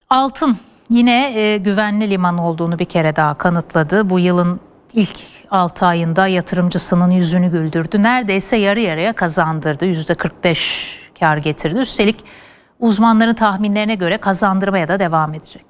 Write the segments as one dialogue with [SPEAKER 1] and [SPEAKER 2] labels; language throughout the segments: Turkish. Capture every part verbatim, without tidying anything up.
[SPEAKER 1] Altın yine e, güvenli liman olduğunu bir kere daha kanıtladı. Bu yılın ilk altı ayında yatırımcısının yüzünü güldürdü. Neredeyse yarı yarıya kazandırdı. yüzde kırk beş kar getirdi. Üstelik uzmanların tahminlerine göre kazandırmaya da devam edecek.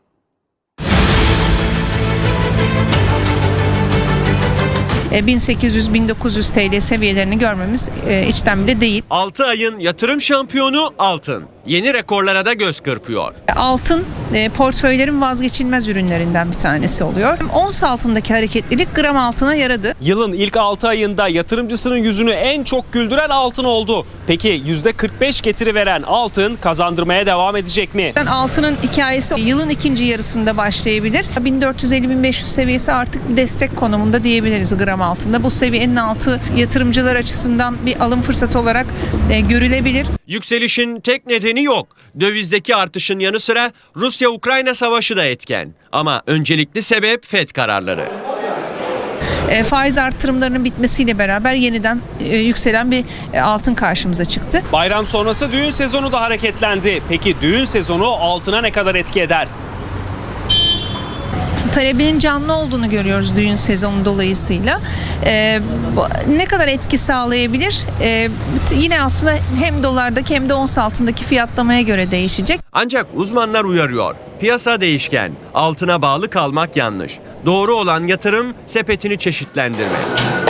[SPEAKER 2] bin sekiz yüz bin dokuz yüz T L seviyelerini görmemiz içten bile değil.
[SPEAKER 3] altı ayın yatırım şampiyonu altın. Yeni rekorlara da göz kırpıyor.
[SPEAKER 2] Altın portföylerin vazgeçilmez ürünlerinden bir tanesi oluyor. Ons altındaki hareketlilik gram altına yaradı.
[SPEAKER 4] Yılın ilk altı ayında yatırımcısının yüzünü en çok güldüren altın oldu. Peki yüzde kırk beş getiri veren altın kazandırmaya devam edecek mi?
[SPEAKER 2] Altının hikayesi yılın ikinci yarısında başlayabilir. bin dört yüz elli bin beş yüz seviyesi artık bir destek konumunda diyebiliriz gram altında. Bu seviyenin altı yatırımcılar açısından bir alım fırsatı olarak e, görülebilir.
[SPEAKER 3] Yükselişin tek nedeni yok. Dövizdeki artışın yanı sıra Rusya-Ukrayna savaşı da etken. Ama öncelikli sebep Fed kararları.
[SPEAKER 2] E, faiz artırımlarının bitmesiyle beraber yeniden e, yükselen bir e, altın karşımıza çıktı.
[SPEAKER 4] Bayram sonrası düğün sezonu da hareketlendi. Peki düğün sezonu altına ne kadar etki eder?
[SPEAKER 2] Talebinin canlı olduğunu görüyoruz düğün sezonu dolayısıyla. Ee, ne kadar etki sağlayabilir? Ee, yine aslında hem dolardaki hem de ons altındaki fiyatlamaya göre değişecek.
[SPEAKER 3] Ancak uzmanlar uyarıyor. Piyasa değişken. Altına bağlı kalmak yanlış. Doğru olan yatırım sepetini çeşitlendirmek.